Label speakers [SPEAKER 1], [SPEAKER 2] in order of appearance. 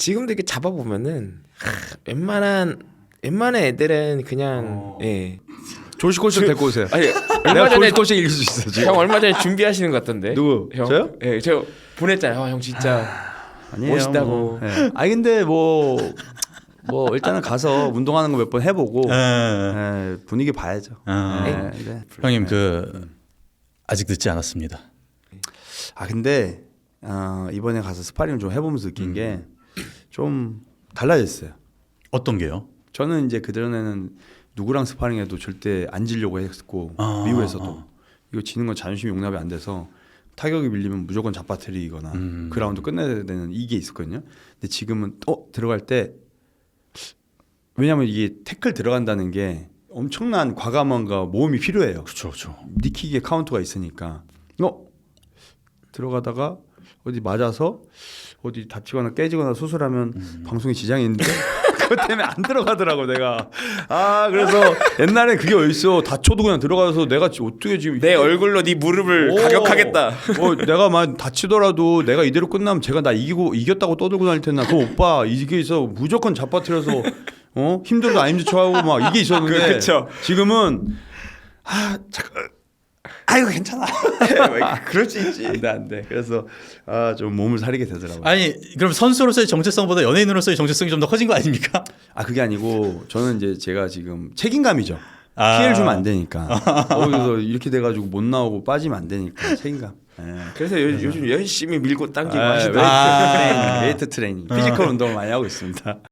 [SPEAKER 1] 지금도 이렇게 잡아보면은 웬만한 애들은 그냥 예.
[SPEAKER 2] 조시코시 데리고 오세요.
[SPEAKER 1] 아니
[SPEAKER 2] 내가
[SPEAKER 1] 얼마 전에
[SPEAKER 2] 조시코시 이길 수 있어 지금.
[SPEAKER 1] 형 얼마 전에 준비하시는 것 같던데.
[SPEAKER 2] 누구?
[SPEAKER 1] 형?
[SPEAKER 2] 저요?
[SPEAKER 1] 예, 제가 보냈잖아요. 형 진짜
[SPEAKER 2] 아니에요,
[SPEAKER 1] 멋있다고.
[SPEAKER 2] 뭐. 네. 아니 근데 뭐 일단은 가서 운동하는 거 몇 번 해보고 분위기 봐야죠. 네.
[SPEAKER 3] 형님 그 아직 늦지 않았습니다.
[SPEAKER 2] 아 근데 이번에 가서 스파링을 좀 해보면서 느낀 게 좀 달라졌어요.
[SPEAKER 3] 어떤 게요?
[SPEAKER 2] 저는 이제 그전에는 누구랑 스파링해도 절대 안 지려고 했고 미국에서도 이거 지는 건 자존심이 용납이 안 돼서 타격이 밀리면 무조건 잡아뜨리거나 그 라운드 끝내야 되는 이게 있었거든요. 근데 지금은 들어갈 때 왜냐면 이게 태클 들어간다는 게 엄청난 과감함과 모험이 필요해요.
[SPEAKER 3] 그렇죠.
[SPEAKER 2] 니킥의 카운터가 있으니까 들어가다가 어디 맞아서 어디 다치거나 깨지거나 수술하면 방송에 지장이 있는데 그것 때문에 안 들어가더라고 내가. 그래서 옛날에 그게 어딨어. 다쳐도 그냥 들어가서 내가 어떻게 지금
[SPEAKER 1] 내 얼굴로 네 무릎을 가격하겠다.
[SPEAKER 2] 내가 막 다치더라도 내가 이대로 끝나면 제가 나 이겼다고 떠들고 다닐 텐데 그 오빠 이게 있어 무조건 잡아뜨려서 힘들도 안 힘든 척하고 막 이게 있었는데
[SPEAKER 1] 그쵸.
[SPEAKER 2] 지금은 잠깐 아이고 괜찮아.
[SPEAKER 1] 그럴 수 있지.
[SPEAKER 2] 안돼. 그래서 좀 몸을 사리게 되더라고요.
[SPEAKER 3] 아니 그럼 선수로서의 정체성보다 연예인으로서의 정체성이 좀 더 커진 거 아닙니까?
[SPEAKER 2] 그게 아니고 저는 이제 제가 지금 책임감이죠. 피해를 주면 안 되니까. 그래서 이렇게 돼가지고 못 나오고 빠지면 안 되니까 책임감.
[SPEAKER 1] 그래서 요즘 열심히 밀고 당기고 하시다.
[SPEAKER 2] 웨이트 트레이닝, 피지컬 운동을 많이 하고 있습니다.